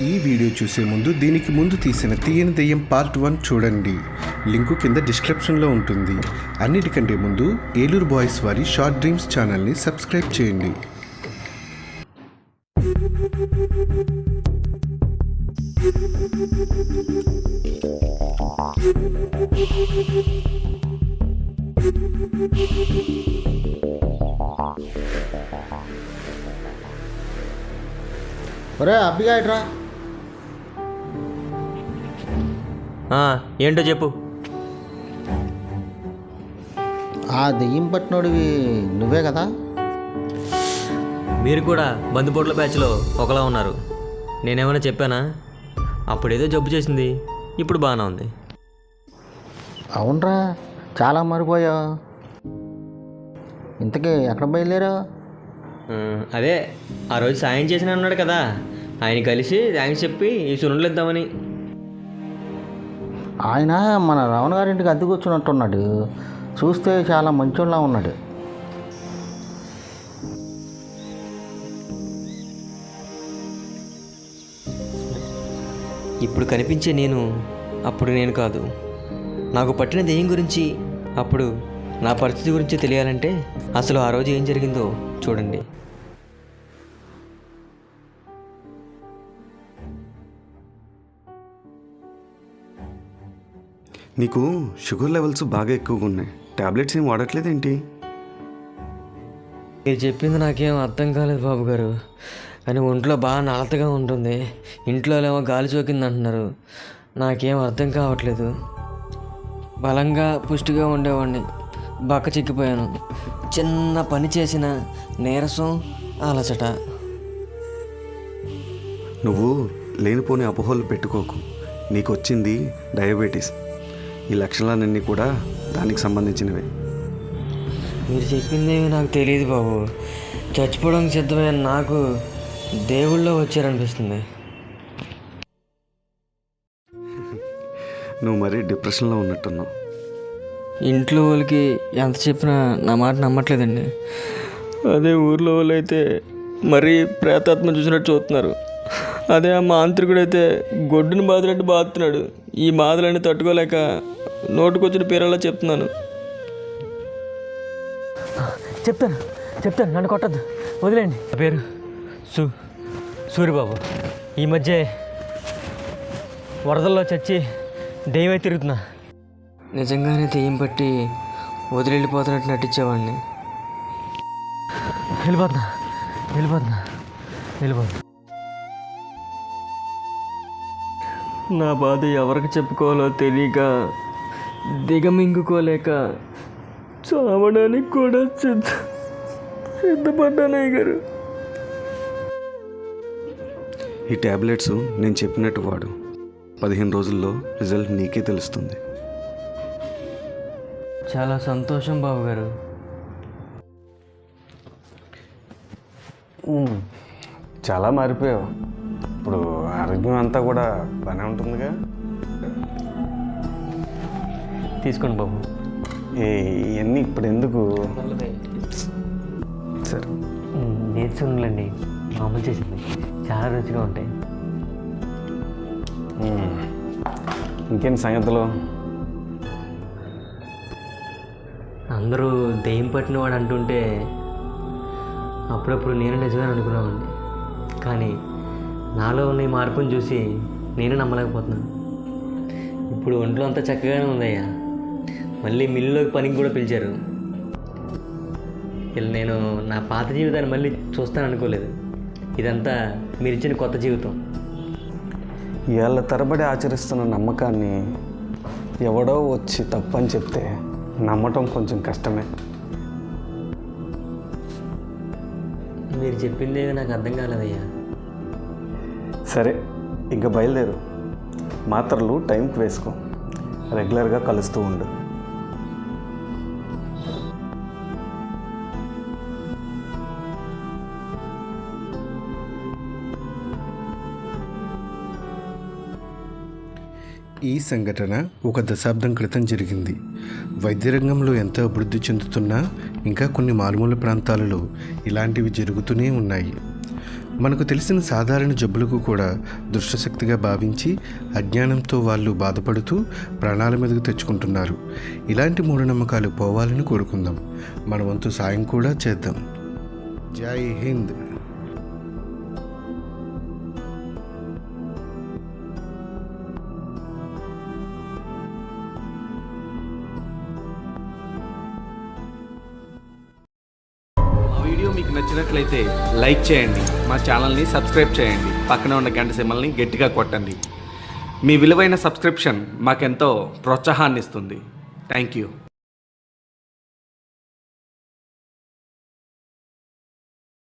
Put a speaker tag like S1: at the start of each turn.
S1: ఈ వీడియో చూసే ముందు దీనికి ముందు తీసిన తీయని దెయ్యం పార్ట్ 1 చూడండి. లింకు కింద డిస్క్రిప్షన్లో ఉంటుంది. అన్నిటికంటే ముందు ఏలూరు బాయ్స్ వారి షార్ట్ డ్రీమ్స్ ఛానల్ని సబ్స్క్రైబ్ చేయండి.
S2: ఒరే అబ్బిగా ఇట్రా.
S3: ఏంటో చెప్పు.
S2: ఆ దెయ్యం పట్టినోడివి నువ్వే కదా?
S3: మీరు కూడా బందిపోట్ల బ్యాచ్లో ఒకలా ఉన్నారు. నేనేమైనా చెప్పానా? అప్పుడేదో జబ్బు చేసింది, ఇప్పుడు బాగానే ఉంది.
S2: అవునరా, చాలా మారిపోయావు. ఇంతకీ ఎక్కడ బయలుదేరా?
S3: అదే ఆ రోజు సాయం చేసిన అన్నాడు కదా, ఆయన కలిసి థ్యాంక్స్ చెప్పి ఈ సున్నులు ఇద్దామని.
S2: ఆయన మన రావణ గారింటికి అద్దెకు వచ్చినట్టున్నాడు. చూస్తే చాలా మంచోళ్ళ ఉన్నాడు.
S3: ఇప్పుడు కనిపించే నేను అప్పుడు నేను కాదు. నాకు పట్టిన దెయ్యం గురించి, అప్పుడు నా పరిస్థితి గురించి తెలియాలంటే అసలు ఆ రోజు ఏం జరిగిందో చూడండి.
S1: నీకు షుగర్ లెవెల్స్ బాగా ఎక్కువగా ఉన్నాయి. టాబ్లెట్స్ ఏం వాడట్లేదేంటి?
S3: మీరు చెప్పింది నాకేం అర్థం కాలేదు బాబు గారు, కానీ ఒంట్లో బాగా నలతగా ఉంటుంది. ఇంట్లో ఏమో గాలి సోకింది అంటున్నారు. నాకేం అర్థం కావట్లేదు. బలంగా పుష్టిగా ఉండేవాడిని, బక్క చిక్కిపోయాను. చిన్న పని చేసిన నీరసం, అలసట.
S1: నువ్వు లేనిపోని అపోహలు పెట్టుకోకు. నీకు వచ్చింది డయాబెటీస్. ఈ లక్షణాలన్నీ కూడా దానికి సంబంధించినవే.
S3: మీరు చెప్పిందేమి నాకు తెలియదు బాబు. చచ్చిపోవడానికి సిద్ధమైన నాకు దేవుళ్ళో వచ్చారనిపిస్తుంది.
S1: నువ్వు మరీ డిప్రెషన్లో ఉన్నట్టున్నావు.
S3: ఇంట్లో వాళ్ళకి ఎంత చెప్పినా నా మాట నమ్మట్లేదండి. అదే ఊర్లో వాళ్ళు అయితే మరీ ప్రేతాత్మ చూసినట్టు చూస్తున్నారు. అదే ఆ మాంత్రికుడైతే గొడ్డుని బాదినట్టు బాదుతున్నాడు. ఈ బాధలన్నీ తట్టుకోలేక నోటుకొచ్చిన పేరలా చెప్తున్నాను. చెప్తాను నన్ను కొట్టద్దు, వదిలేండి. నా పేరు సూరిబాబు. ఈ మధ్య వరదల్లో చచ్చి దెయ్యమై తిరుగుతున్నా. నిజంగానే దెయ్యం పట్టి వదిలిపోతున్నట్టు నటించేవాడిని. వెళ్ళిపోతున్నా. నా బాధ ఎవరికి చెప్పుకోవాలో తెలియక, దిగమింగుకోలేక చావడానికి కూడా సిద్ధపడ్డానయ్య గారు.
S1: ఈ టాబ్లెట్స్ నేను చెప్పినట్టు వాడు. 15 రోజుల్లో రిజల్ట్ నీకే తెలుస్తుంది.
S3: చాలా సంతోషం బాబు గారు.
S1: చాలా మారిపోయావు. ఇప్పుడు ఆరోగ్యం అంతా కూడా బాగానే ఉంటుందిగా.
S3: తీసుకోండి బాబు.
S1: ఇవన్నీ ఇప్పుడు ఎందుకు? సరే,
S3: నేర్చుకున్నాండి. మామూలు చేసింది చాలా రుచిగా ఉంటాయి.
S1: ఇంకేంటి సంగతులు?
S3: అందరూ దెయ్యం పట్టినవాడు అంటుంటే అప్పుడప్పుడు నేను నిజమే అనుకున్నామండి. కానీ నాలో ఉన్న ఈ మార్పుని చూసి నేను నమ్మలేకపోతున్నాను. ఇప్పుడు ఒంట్లో అంతా చక్కగానే ఉందయ్యా. మళ్ళీ మిల్లులోకి పనికి కూడా పిలిచారు. నేను నా పాత జీవితాన్ని మళ్ళీ చూస్తాను అనుకోలేదు. ఇదంతా మీరు ఇచ్చిన కొత్త జీవితం.
S1: ఏళ్ళ తరబడి ఆచరిస్తున్న నమ్మకాన్ని ఎవడో వచ్చి తప్పని చెప్తే నమ్మటం కొంచెం కష్టమే.
S3: మీరు చెప్పిందేవి నాకు అర్థం కాలేదయ్యా.
S1: సరే, ఇంకా బయలుదేరు. మాత్రలు టైంకి వేసుకో. రెగ్యులర్గా కలుస్తూ ఉండు. ఈ సంఘటన ఒక దశాబ్దం క్రితం జరిగింది. వైద్య రంగంలో ఎంతో అభివృద్ధి చెందుతున్నా ఇంకా కొన్ని మారుమూల ప్రాంతాలలో ఇలాంటివి జరుగుతూనే ఉన్నాయి. మనకు తెలిసిన సాధారణ జబ్బులకు కూడా దుష్టశక్తిగా భావించి అజ్ఞానంతో వాళ్ళు బాధపడుతూ ప్రాణాల మీదకు తెచ్చుకుంటున్నారు. ఇలాంటి మూఢనమ్మకాలు పోవాలని కోరుకుందాం. మన వంతు సాయం కూడా చేద్దాం. జై హింద్.
S4: వీడియో మీకు నచ్చినట్లయితే లైక్ చేయండి, మా ఛానల్ని సబ్స్క్రైబ్ చేయండి, పక్కన ఉన్న గంట సింబల్ని గట్టిగా కొట్టండి. మీ విలువైన సబ్స్క్రిప్షన్ మాకెంతో ప్రోత్సాహాన్ని ఇస్తుంది. Thank you.